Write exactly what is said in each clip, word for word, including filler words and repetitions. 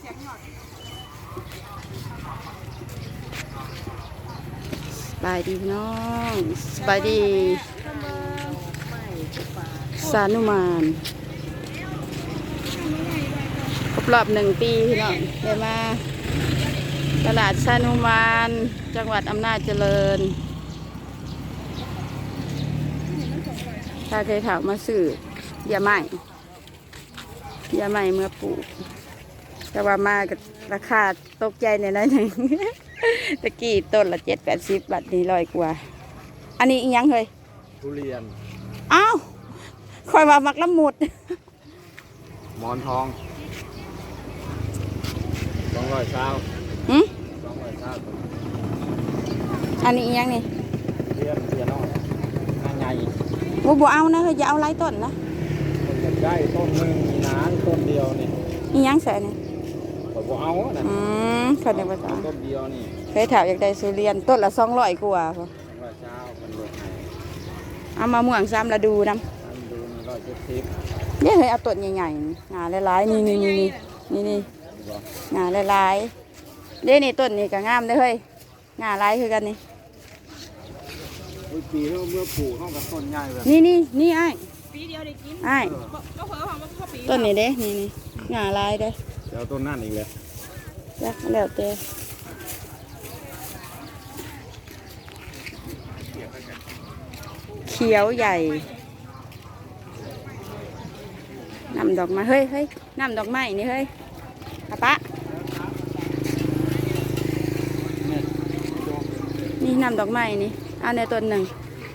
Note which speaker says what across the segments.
Speaker 1: สบายดีพี่น้องสบายดีสานุมานครบรอบหนึ่งปีพี่น้องเดี๋ยวมาตลาดสานุมานจังหวัดอำนาจเจริญถ้าเคยถามมาซื้อยาใหม่ยาใหม่เมื่อปลูกแต่ว่ามากับราคาตกใจในนั้นหนึ่งตะกี้ต้นละเจ็ดแปดสิบบาทนี่ร้อยกว่าอันนี้อีกยังเลย
Speaker 2: ทุเรียน
Speaker 1: อ้าวคอยว่ามักละมุด
Speaker 2: หมอนทองสองร้อยเช้า
Speaker 1: หืม
Speaker 2: สองร้อยเช้า
Speaker 1: อันนี้อีกยังนี่
Speaker 2: เรียนเรียนน้อยงานใหญ่
Speaker 1: บัวบัวเอานะเฮ้ยอย่าเอาไร้ต้นนะ
Speaker 2: มันจะได้ต้นหนึ่งมีน้ำต้นเดียวนี่
Speaker 1: อีกยังใส่นี่
Speaker 2: บัวเอานะ
Speaker 1: อืมคนเดียวกัน
Speaker 2: ต้นเดียวนี่
Speaker 1: เคยถามอยากได้สุเรียนต้นละสองร้อยกว่าพอ
Speaker 2: ร้อยเช้าคนลด
Speaker 1: เอามาม่วงซ้ำละดูน้ำ
Speaker 2: ดูนี่ร้อยเจ็ดสิบ
Speaker 1: เนี่ยเฮ้ยเอาต้นใหญ่ๆงาหลายๆนี่นี่นี่นี่นี่งาหลายๆเด้นี่ต้นนี่ก็งามเลยเฮ้ยงาหลายคือกันนี่
Speaker 2: ปีเมื่อปลูกห้องกับต้นใหญ่แบบ
Speaker 1: นี่นี่นี่ไอ้
Speaker 3: ปีเดียวได้กิน
Speaker 1: ไอ้
Speaker 3: ก็เพิ่มของพ่อปี
Speaker 1: ต้นนี่เด้นี่นี่งาลายเด้
Speaker 2: เดี๋ยวต้นนั่นอีกเลย
Speaker 1: จ้ะแล้วแต่เขียวใหญ่น้ำดอกไม้เฮ้ยเฮ้ยน้ำดอกไม้นี่เฮ้ยอะปะนี่น้ำดอกไม้นี่เอาในต้นหนึ่ง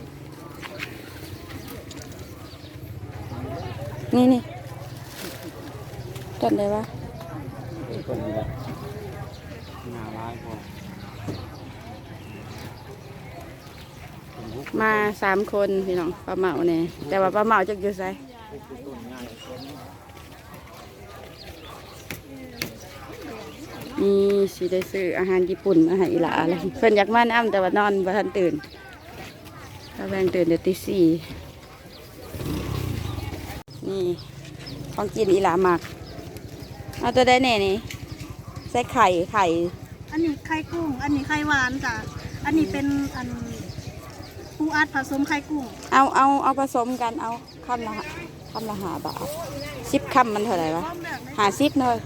Speaker 1: นี่นี่ต้นอะไรวะ
Speaker 2: ต้นนี้แหละงาลายพอ
Speaker 1: มาสามคนพี่น้องปลาเหมาเนี่ยแต่ว่าปลาเหมาจะอยู่ไสนี่สิได้ซื้ออาหารญี่ปุ่นมาให้อีหลาเลยเพิ่นอยากมาน้ำแต่ว่านอนบ่ทันตื่นถ้าแพงตื่นเดี๋ยวตีสี่นี่ของกินอีหลาหมักเอาตัวได้แน่นี่ใส่ไข่ไข่
Speaker 3: อันนี้ไข่กุ้งอันนี้ไข่หวานจ้ะอันนี้เป็นอันปูอัดผสมไข่กุ้ง
Speaker 1: เอาเอาเอาผสมกันเอาคำละคำละหาบาทสิบคำมันเท่าไหร่วะหาสิบเลย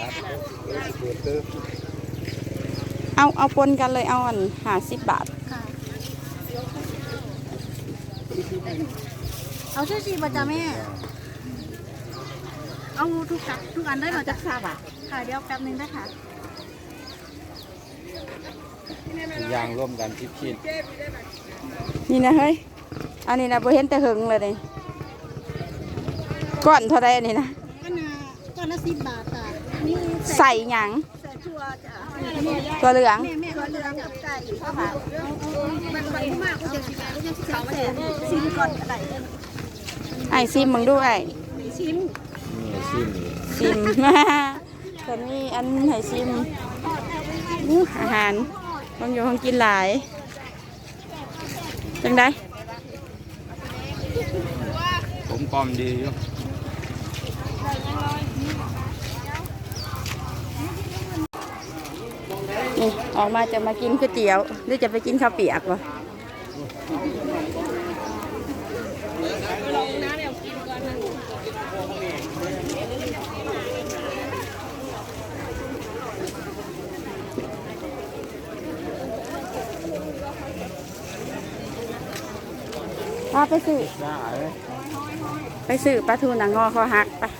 Speaker 1: เอาเอาปนกันเลยเอาอันหาสิบบาท
Speaker 3: เอาชื่อชีบะจ้ะแม่เอาทุกกัทุกอันได้มาจากซาบะค่ะเดี๋ยวแป๊บนึงได้ค่ะ
Speaker 2: ยางร่วมกันทิพชิ้น
Speaker 1: นี่นะเฮ้ยอันนี้นะบ่เห็นแต่หึงเลยนี่ก้อนเท่าไรอันนี้นะ
Speaker 3: ก้อนละก้อนละสิบบาทจ้ะนี่
Speaker 1: ใส่หยัง
Speaker 3: ใส่ชัวจ้ะ
Speaker 1: ตัวเหลือง
Speaker 3: แม่แม่ตัวเหลืองกับไก่ข้าวผัดมันมันมากก็จะชิมก็จะชิมแต่ชิมก่อนอะไร
Speaker 1: ไอซิมมึงด้วย
Speaker 3: ชิม
Speaker 2: นี่ซิม
Speaker 1: ซิมมาคนนี้อันไหนซิมอาหารบางอยู่ห้องกินหลายจังได้
Speaker 2: ผมกลมดีอยู่
Speaker 1: นี่ออกมาจะมากินก๋วยเตี๋ยวหรือจะไปกินข้าวเปียกวะพาไปซื้อไปซื้อปลาทูหนังงอคอหักไป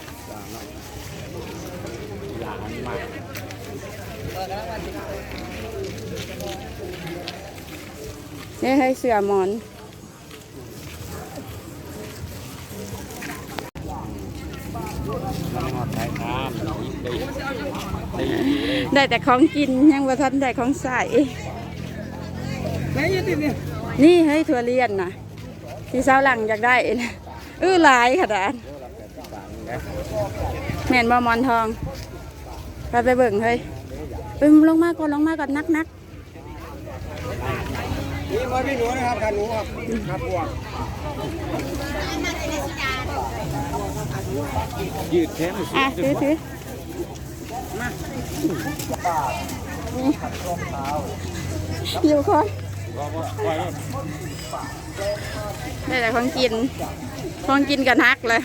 Speaker 1: เนี่ยให้เสือหมอนได้แต่ของกินยังบ่ทันได้ของใส่นี่ให้ถั่วเลียนนะที่เช้าหลังอยากได้เออหลายขนาดแม่นบ่มอนทองไปไปเบิ่งเฮ้ยไปลงมาก่อนลงมาก่อนนักนัก
Speaker 2: นี่มาพี่หนูนะครับขาหนูครับครับพวกยืดแขน
Speaker 1: อ่ะถือถือ
Speaker 2: มา
Speaker 1: อยู่คน
Speaker 2: บ่บ่ปล่อย
Speaker 1: ได้แต่ของกินของกินกันฮักเลย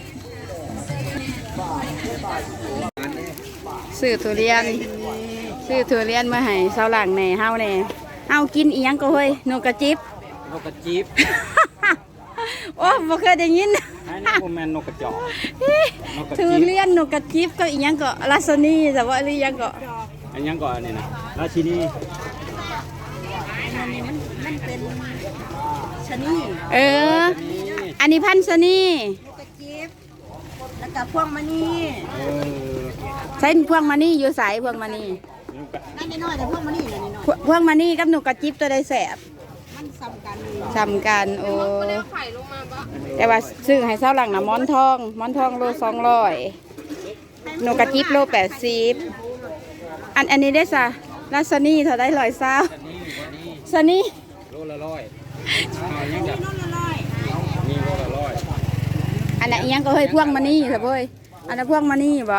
Speaker 1: ซื้อทุเรียนซื้อทุเรียนมาให้เสาหลังแหน่เฮาแหน่เอากินอีหยังก็เฮ้ยนกกระจิบ
Speaker 2: นกกระจิบ
Speaker 1: โอ้บ่เคยได้ยิน
Speaker 2: อันนี้บ่แม่นนกกระจอกนกกระ
Speaker 1: ทุ
Speaker 2: จิบ
Speaker 1: เรียนนกกระจิบก็อีหยังก็ลาซานีแต่ว่าหรือยังก็
Speaker 2: อันยังก่อนนี่นะราชินี
Speaker 3: อันนี้มันมันเป็นชะนี
Speaker 1: เออ อันนี้พันธุ์ซานี
Speaker 3: ลูกกระจิบแล้วก็พวงมณี
Speaker 2: เออ
Speaker 1: ใช้พวงมานี่อยู่สายพวงมานี่
Speaker 2: นกกระ
Speaker 3: นั่นน้อยๆแต่พวงมณีนี่น้อย
Speaker 1: พวพวงมานี่กับนกกระจิบตัวใดแสบ
Speaker 3: ๆมันซ้ำกันเลย
Speaker 1: สำกันโอ้แต่ว่าซื้อให้เสาหลังนะหมอนทองหมอนทองโลสองร้อยนกกระจิบโลแปดสิบอันอันนี้ได้ซะลาซานี่เท่าได้ร้อยเศร้า
Speaker 2: นี่นี่
Speaker 1: ซานี่
Speaker 2: โลละร้อยเอายังจะ
Speaker 3: น้องละร้อย
Speaker 2: นี่โลละร้อย
Speaker 1: อันนั้นอิหยังก็เฮ้ยพวงมานี่เถอะเว้ยอันนั้นพวงมานี่บ่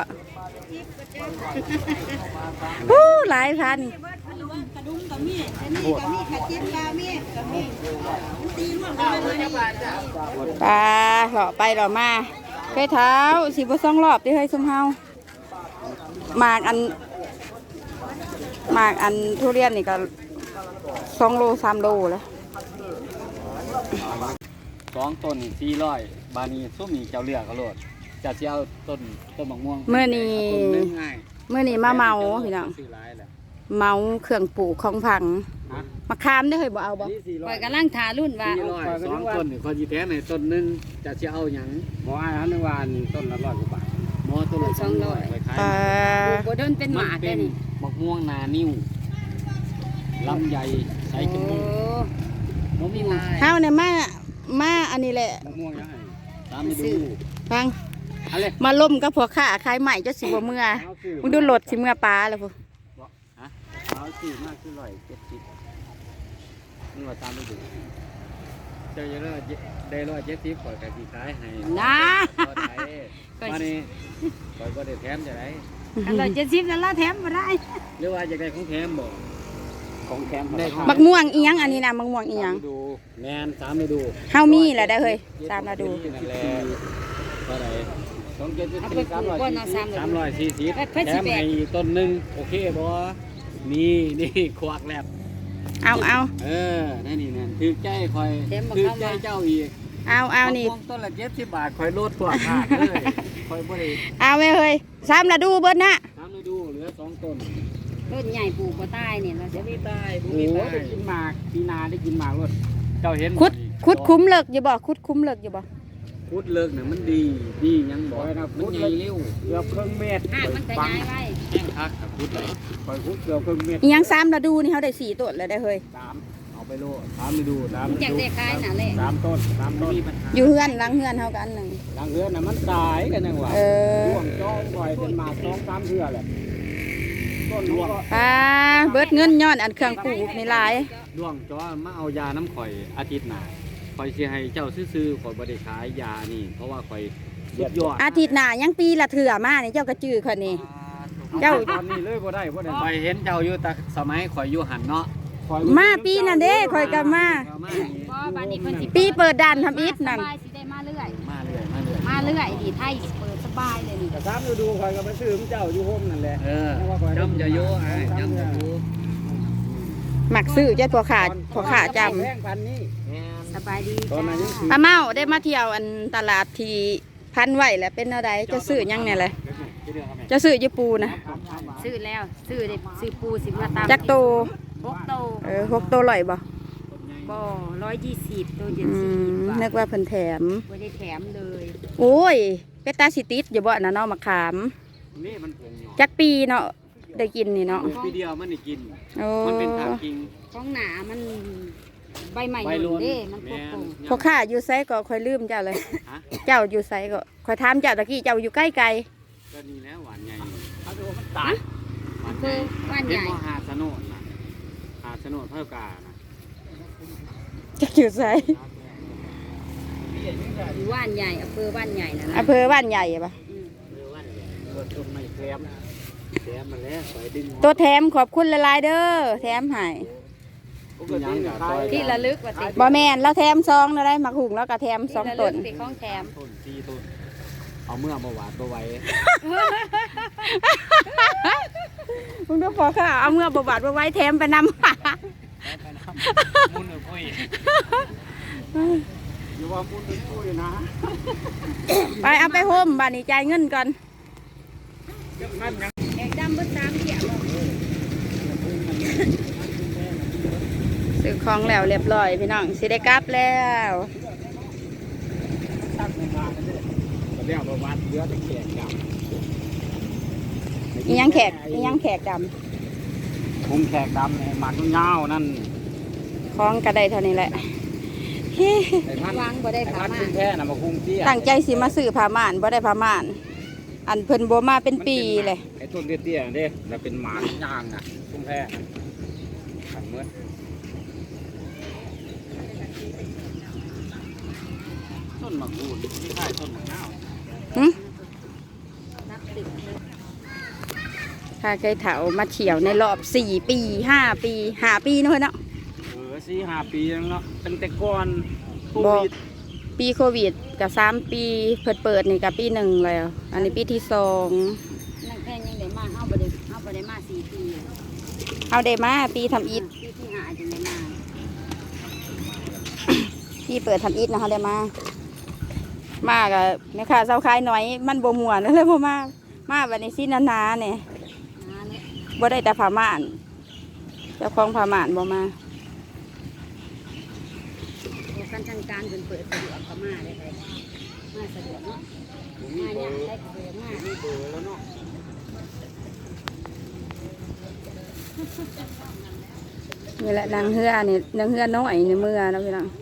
Speaker 1: ฮู้หลายพัน
Speaker 3: กระดุมกับมีดชะนีกับมีดกระจิบกับมีดกับมีดมันตีร่วมกันเลยนี่
Speaker 1: ปลาเหลาะไปเหลาะมาเคยเท้าสิบสองรอบที่เฮ้ยซุมเฮาหมากอันหมากอันทุเรียนนี่ก็สองโลสามโลแล้ว
Speaker 2: สองต้นสี่ร้อยบานีส้มนี่เจ้าเลือกเขาโลดจะสิเอาต้นต้นมะม่วง
Speaker 1: เมื่อนี้
Speaker 2: ต้นนึงง่าย
Speaker 1: เมื่อนี้มาเมาพี่น้อง
Speaker 2: ซื้อหลายแหละ
Speaker 1: เมาเครื่องปลูกของพัง
Speaker 2: ฮะ
Speaker 1: มะขามได้เคยบ่เอาบ่
Speaker 2: นี่สี่ร้
Speaker 4: ป
Speaker 2: อ
Speaker 4: ล่อย ยกำลังทารุ่นว่า
Speaker 2: สี่ร้อยสองต้นนี่คนจีแท้ในต้นหนึงจะสิเอาหยังหมออ้ายเขานึกว่านี่ต้นละร้อยกว่าบาทหมอต้นละสองร้อยไปขาย
Speaker 1: ปลา
Speaker 4: ปลูกบ่โดนเป็นห
Speaker 2: มั
Speaker 4: มาน ก
Speaker 2: เป็
Speaker 4: ได้
Speaker 2: น
Speaker 4: นี่
Speaker 2: มะม่วงนานิ้วลำไยใส่
Speaker 4: โอ้
Speaker 2: กินมุ้งมะม่วง
Speaker 1: เฮาเนี่ยมามาอันนี้แหละ
Speaker 2: มะม่วงยังไงตามไปดู
Speaker 1: ฟัง
Speaker 2: อะไร
Speaker 1: มาล่มกับพวกข้าขายใหม่จะสิบ่เมื่อมึงดูรถสิเมื่อปลาแล้วพวก
Speaker 2: ฮะเอาสี่มากคือร้อยเจ็ดสิบนี่ว่าตามไปดูเจ้าจะได้ได้ร้อยเจ็ดสิบข่อยกับสีขายให้
Speaker 4: นะ
Speaker 2: ก็ได้มานี่ข่อยก็ได้แถมจะได้
Speaker 4: อันละเจ็ดสิบนั่นละแถมมาได้
Speaker 2: หรือว่าจะได้ของแถมบ่ของแถมได้
Speaker 1: บักม่วงอีหยังอันนี้นะบักม่วงอีหยัง
Speaker 2: ดูแมนสามไปดู
Speaker 1: เฮามีแหละได้เฮ้ยตามมาดู
Speaker 2: นั่นแหละเท่าไหร่สองเจ็ดสิบ
Speaker 4: เอา
Speaker 2: สี่
Speaker 4: ไปป
Speaker 2: สาม
Speaker 4: ลูก
Speaker 2: ร้อย
Speaker 4: ก่อน
Speaker 2: สี่
Speaker 4: เอา
Speaker 2: สิบ
Speaker 4: สาม
Speaker 2: สามร้อยสี่สิบ
Speaker 4: เพิ่น
Speaker 2: แถ
Speaker 4: สิ
Speaker 2: ม
Speaker 4: แบก
Speaker 2: ให้อีกต้นหนึ่งโอเคบ่นี่นี่ควักแลบ
Speaker 1: เอาเอา
Speaker 2: เออนั่นนี่นั่นถือใจคอยถือใจเจ้าอีก
Speaker 1: เอาเอานี่
Speaker 2: มะม่วงต้นละเจ็ดสิบบาทคอยลดตัวขาดเลยคอยบ่ได้
Speaker 1: เอาไว้เฮ้ยสามละดูเบิดนะ
Speaker 2: ทำให้ดูเหลือสองต้น
Speaker 4: ต้นใหญ่ปลูกบ่ใต้นี่เราจะ
Speaker 2: บ่มีตายบ่มีตายได้กินหมากปีนาได้กินหมากรถเจ้าเห็นบ่
Speaker 1: คุด
Speaker 2: นี่
Speaker 1: คุดคุ้มเลิกอยู่บ่คุดคุ้มเลิกอยู่บ่
Speaker 2: คุดเลิกน่ะมันดีดียังบ่มันใหญ่เร็วเกือบครึ่งเมตร
Speaker 4: หากมันก็ย้ายไว้
Speaker 2: แห้งคักกับคุดเลยคอยคุดเกือบครึ่งเมตร
Speaker 1: อีหยังสามละดูนี่เขาได้สี่ต้นเลยได้เฮ้ย
Speaker 2: สามเอาไปโลสามไปดูสาม
Speaker 4: มันอยากได้ขายน่ะแหละ
Speaker 2: สามต้นสามต้น
Speaker 1: อยู่เฮือนหลังเฮือนเฮากันหนึ่ง
Speaker 2: หลังเรือนน่ะมันตายกันยังวะ
Speaker 1: เออ
Speaker 2: ร่วงจ้องปล่อยเป็นหมากสองสามเทื่อแหละต้นร่วง
Speaker 1: ปลาเบิดเงินย้อนอันเครื่องปลูกนี่หลาย
Speaker 2: ร่วงจ้อมาเอายาน้ำข่อยอาทิตย์หน้าข่อยสิให้เจ้าซื้อๆข่อยบ่ได้ขายยานี่ เพราะว่าข่อยสุดยอด
Speaker 1: อาทิตย์หน้ายังปีละเถื่อมานี่เจ้ากระจือคนนี้ เจ้า
Speaker 2: ตอนนี้เลยบ่ได้บ่ได้ข่อยเห็นเจ้าอยู่แต่สมัยข่อยอยู่หันเนาะข่อย
Speaker 1: มาปีนั่นเด้ข่อยก็มา
Speaker 2: มานี่
Speaker 4: บ่บัดนี้เพิ่นสิ
Speaker 1: ปีเปิดด่านทำอิฐนั่น
Speaker 4: สบายสิได้มาเรื่อย
Speaker 2: มาเรื่อยมาเรื่อย
Speaker 4: มาเรื่อยดิไทยเปิดสบายเลยนี่
Speaker 2: แต่สามฤดูข่อยก็ไปซื้อของเจ้าอยู่โฮมนั่นแหละเออจำจะอยู่ไอ้จำจะอยู่
Speaker 1: หมักซื้อเจ้าพวกขาพวกขาจ
Speaker 2: แพงพันนี้
Speaker 4: สบายดี
Speaker 2: ตอนนั้นยัง
Speaker 1: ำป้าเมาได้มาเที่ยวอันตลาดที่พันไหวแหล้วเป็นอะไรจะซื้อหยังเนี่ยเลยจะซื้อญี่ปูนะ
Speaker 4: ซื้อแล้วซื้อได้ซื้อปูสิมาตาม
Speaker 1: จักโต
Speaker 4: หกโต
Speaker 1: เออหกโตลอยบ่
Speaker 4: บ่ร้อยยี่สิบโตเจ็ด
Speaker 1: อื
Speaker 4: สิบ
Speaker 1: ม
Speaker 4: บาท
Speaker 1: นึกว่าเพิ่นแถม
Speaker 4: ไม่ได้แถมเลย
Speaker 1: โอ้ยเป็ดตาสิติดอย่าบ่นะเนาะมะขาม
Speaker 2: นี่มันผงหยอ
Speaker 1: จักปีเนาะได้กินนี่เนาะ
Speaker 2: ปีเดียวมันได้กิน
Speaker 1: โอ้
Speaker 2: มันเป็นทางกิง
Speaker 4: ของหนามันใบใหม่
Speaker 2: ใบ
Speaker 4: ห
Speaker 2: ล้
Speaker 4: ล่
Speaker 2: น
Speaker 4: นเด้มันพ
Speaker 2: แม่
Speaker 4: ก
Speaker 2: น
Speaker 4: ปู
Speaker 1: พวกข้าอยู่ไสก็ค่อยลืมเจ้าเลย
Speaker 2: ฮะ
Speaker 1: เจ้าอยู่ไสก็ค่อยถามเจ้าตะกี้เจ้าอยู่ใกล้ไกล
Speaker 2: ก็นี่แล้วหวานใหญ่เขาดูว่ามันตัดหวานให
Speaker 4: คื
Speaker 2: ญ่
Speaker 4: อว่านใหญ่
Speaker 2: เป็นหาสนุนนะหาสนุนเท่ากานะ
Speaker 1: เจ้าอยู่ไส
Speaker 4: อยู่ว่านใหญ่อำเภอว่านใหญ่นะนะ
Speaker 1: อำเภอบ้านใหญ่ปะ
Speaker 4: อืม
Speaker 2: เรือวันเรือต้นไม้แคมแถมมาแล้วไปดึง
Speaker 1: ตัวแถมขอบคุณหลายๆเด้อแถมให้
Speaker 2: ยังกับซอย
Speaker 4: ที่ระลึกว่าติ
Speaker 1: บ่แม่นแล้วแถมซองได้มาหุงแล้วก็แถมสองต้น
Speaker 4: ติของแถม
Speaker 2: ต้นสี่ต้นเอาเมื่อมาหวานตัวไว้
Speaker 1: มึงต้องพอค่ะเอาเมื่อบาบาดมาไว้แถมไปนำ
Speaker 2: มุนหรือปุ้ยอยู่ว่ามุนหรือปุ้ยนะ
Speaker 1: ไปเอาไปโฮมบ้านนี้จ่ายเงินก่อน
Speaker 4: แอกดำเบิ้ลสามเขียว
Speaker 1: ซื้อของแล้วเรียบร้อยพี่น้องสิได้กลับแล้ว
Speaker 2: ตั้งมาเลยก็เรียกว่าวัดเยอะแต่แขกกับ
Speaker 1: อีหยังแขกอีหยังแขกด
Speaker 2: คุมแขกดำในหมักเงานั่น
Speaker 1: ำของกระไดเท่านี้แหละ
Speaker 2: ไอ้พัน
Speaker 4: วางบ่ได้
Speaker 2: ไอ้
Speaker 4: ขา
Speaker 2: พัน
Speaker 4: มา
Speaker 2: ขึ้นแท่น่ะมาคุมเตี้ย
Speaker 1: ตั้งใจสิมาซื้อผ้าม่านบ่ได้ผ้าม่าน อันเพิ่นบ่มาเป็นปีเลย
Speaker 2: ไอ้ต้นเตี้ยๆเด้แล้วเป็นหมากยางน่ะคุมแท่ขันเมื่อต้นหมากรูดที่ใช่ต้นหมากเงา
Speaker 1: หึ
Speaker 4: นักติดเลย
Speaker 1: ถ้าเคยเถามาเที่ยวในรอบสี่ปีห้าปีห้าปีเนาะเนาะ
Speaker 2: เออสี่ห้าปีแล้วเนาะตั้งแต่ก่อนโค
Speaker 1: บ่
Speaker 2: วิด
Speaker 1: ปีโควิดกับสามปีเปิดเปิดนี่กับปีหนึ่งแล้ว อันนี้ปีที่สอง
Speaker 4: นั่งแค่ยังได้มาเฮาบ่ได้เฮาบ่ได้มาสี่ปี
Speaker 1: เอาได้มาปีทำอิฐ
Speaker 4: ปีที่ห้าจังได้มา
Speaker 1: ปีเปิดทำอิฐนะคะได้มา มากับแม่ค้าเซาขายหน่อย มันบ่ม่วนเลยบ่มา มาวันนี้สินาๆเนี่ย
Speaker 4: หาเนี่ย
Speaker 1: บ่ได้แต่ผ้าม่านเจ้าของผ้าม่านบ่มา
Speaker 4: โอ้กันทางการเพิ่นเปิดสะดวกก็มาได้เลยมาสะดวกเนาะ
Speaker 2: ผมมี
Speaker 4: มา
Speaker 2: เบ
Speaker 4: เนี่
Speaker 2: อย ร์
Speaker 4: ได้เบอร์มา
Speaker 2: มีเบอร์แล้วเนาะ
Speaker 1: นี่แหละนางเฮือนี่นางเฮือน้อยในเมื่อนะพี่น้อง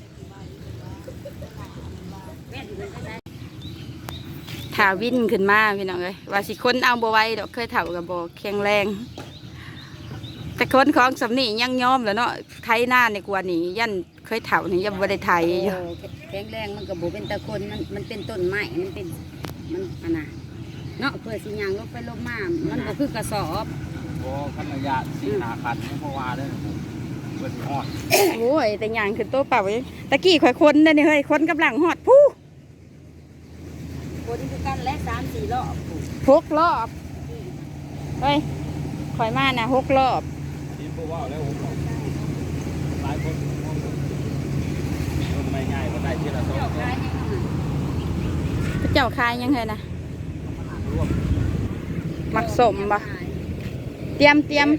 Speaker 1: ถาวินขึ้นมาพี่น้องเลยว่าสิคนเอาบ่ไหว้ดอกเคยเถ่ากับบ่แข็งแรง แต่คนของสำนียังยอมแล้วเนาะไทยหน้าในกว่านี้ยันเคยเถ่านี่ยังบ่ได้ไทยอยู่
Speaker 4: โอ้แข็งแรงมันก็บ่เป็นตะคนมันมันเป็นต้นไม้มันเป็นมันอันน่ะเนาะเพื่อสิย่างลงไปลงมามันบ่คือกระสอบ
Speaker 2: โอ้ขันระยะสี่หาคันเพราะว่าเด้อผมเปิดฮอด
Speaker 1: โอ้ยแต่ยางขึ้นโต๊ะเปล่าเว้ยตะกี้ข่อยคนเด้อนี่เฮ้ยคนกำลังหอดผู้
Speaker 4: คนคือกันและสามสี่รอบ
Speaker 1: หกรอบเฮ้ยข่อยมานะหกรอบ
Speaker 2: ทีมผู้ว่าแล้วผมหลายคนมันไม่ง่ายก็ได้ทีละสอง
Speaker 4: เจ้า
Speaker 2: คน
Speaker 4: ขายยังไง
Speaker 1: พระเจ้าคายยังไงนะ
Speaker 2: ร่วม
Speaker 1: มักสมบ่เตรียมเตรียม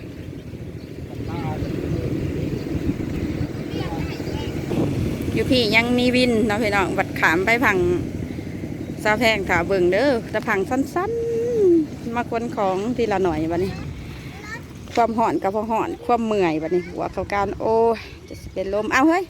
Speaker 1: อยู่พี่ยังมีวินเนาะพี่น้องวัดขามไปพังซาแพงถาเบิ่งเด้อแต่พังสั้นๆมาคนของทีละหน่อยบัดนี้ ความห่อนกับพอห่อนความเมื่อยบัดนี้หัวเขาการโอ้ยจะสิเป็นลมเอาเฮ้ย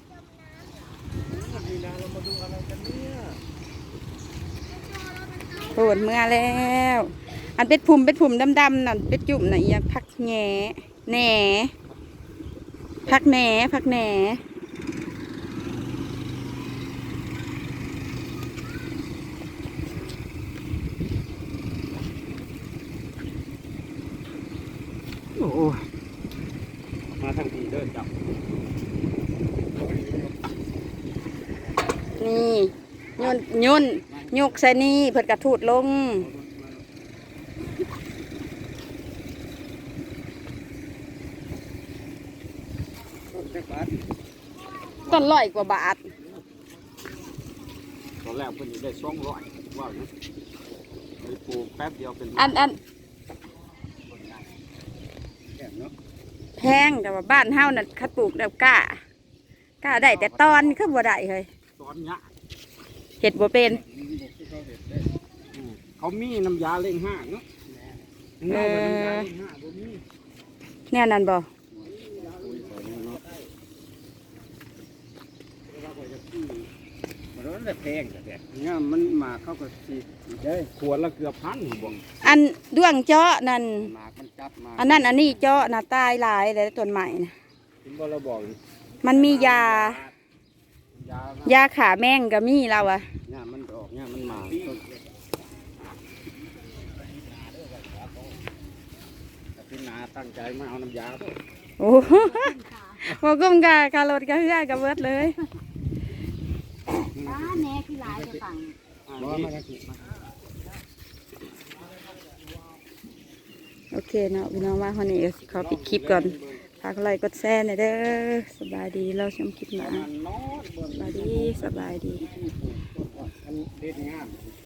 Speaker 1: โหดเมื่อแล้ว อันเป็ดพุ่มเป็ดพุ่มดำๆนั่นเป็ดจุ่มน่ะอีหยังพักแหน่แหน่พักแหน่พักแหน่
Speaker 2: โอ้มาทางทีเดินจับ
Speaker 1: นี่ยุ่นยุ่นยุกใส่นี่เพิ่นกระทูดลงต้นร้อยกว่าบาท
Speaker 2: ตอนแรกเพิ่นอยู่ได้สองร้อยว่านะไปปลูกแป๊บเดียวเป็น
Speaker 1: อันอัน
Speaker 2: แก่เนาะ
Speaker 1: แพงแต่ว่าบ้านเฮานั่นคัดปลูกแล้วกล้ากล้าได้แต่ตอนคือบ่ได้เฮ้ย
Speaker 2: ตอนเนี้ย
Speaker 1: เห็ดบ่เป็น
Speaker 2: เขามีน้ำยาเล่งห้างเนาะเงาเป็นน้ำยาเล่งห้างบ่มี
Speaker 1: แน่นั่นบ่
Speaker 2: มันร้อนแต่แพงแต่เนี่ยมันมาเข้ากับสีได้ขวดละเกือบพันบ่ง
Speaker 1: อันด้วงเจาะนั่น
Speaker 2: หมากมันจับมา
Speaker 1: อันนั้นอันนี้เจาะน่ะตายหลายเลยต้นใหม่นะ
Speaker 2: ถึงบ่เราบอก
Speaker 1: มันมียา
Speaker 2: ยาย
Speaker 1: าขาแมงก็มีเราอะ
Speaker 2: เนี่ยมันออกเนี่ยมันมาต้นตั้งใจมาเอาน้ำยาบ่
Speaker 1: โอ้โหบอกกุ้มกะคารถกะเฮือกับเบิดเลย
Speaker 4: ป้าแหน่คือหลายจะฟัง
Speaker 2: บ่มาได้สิมา
Speaker 1: โอเคเนาะพี่น้องว่าคนนี้ก็สิขอปิดคลิปก่อนฝากไลค์กดแชร์หน่อยเด้อสบายดีเราชมคลิปหน้า
Speaker 2: มันนอนเบิ่ง
Speaker 1: สบายดีสบายดี
Speaker 2: อันเด็ดงาม